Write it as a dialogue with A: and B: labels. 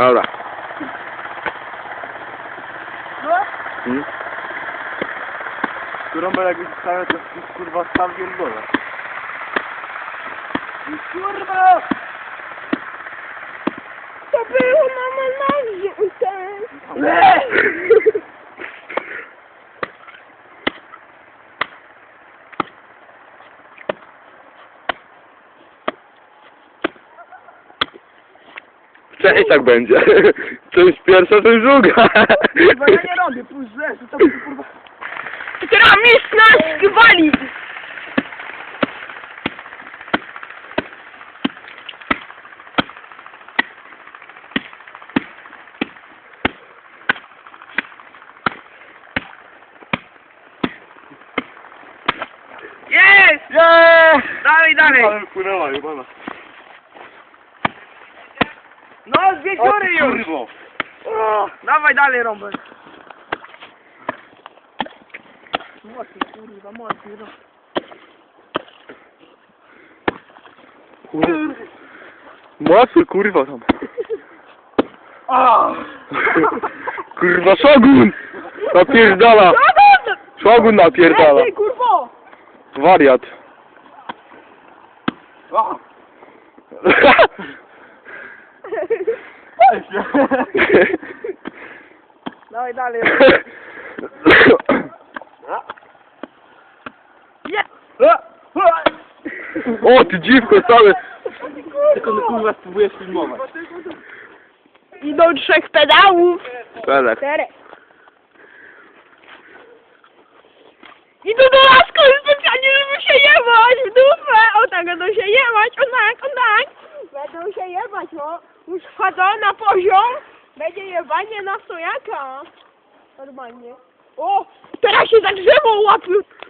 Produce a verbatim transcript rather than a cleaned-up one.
A: Dobra.
B: No?
A: Hmm?
B: Rąbel jakby zostawiał, to jest kurwa sam pierdolę. Kurwa!
C: To było mama na żółte.
B: Nie!
A: Cześć, tak będzie. To jest pierwsza, to jest druga.
B: Kurwa, ja nie robię, pójdź zresztą, to tam kurwa...
C: Teraz mistrz nas gwali.
B: Jest!
C: Yeah!
B: Dalej, dalej!
A: Ale wpłynęła, jebana.
B: No, dwie dziury już!
A: Kurwo.
B: O, dawaj dalej, Rąbel. Mocno, kurwa, mocno. No.
A: Mocno, kurwa tam.
B: A!
A: Kurwa, Shogun! Napierdala! Shogun napierdala!
C: Ej, kurwo!
A: Wariat.
B: A! Dawaj dalej.
C: Nie!
A: O, ty dziwko całe!
B: Tylko kurwa spróbujesz filmować.
C: Idą trzech pedałów.
A: Pelek.
C: Czterech. Idą do lasku specjalnie, żeby się jebać w dupę. O tak, będą się jebać, o tak, o tak. Będą się jebać, no. Już wchodzą na poziom. Będzie jebanie na sojaka. Normalnie. O, teraz się za drzewo łapią.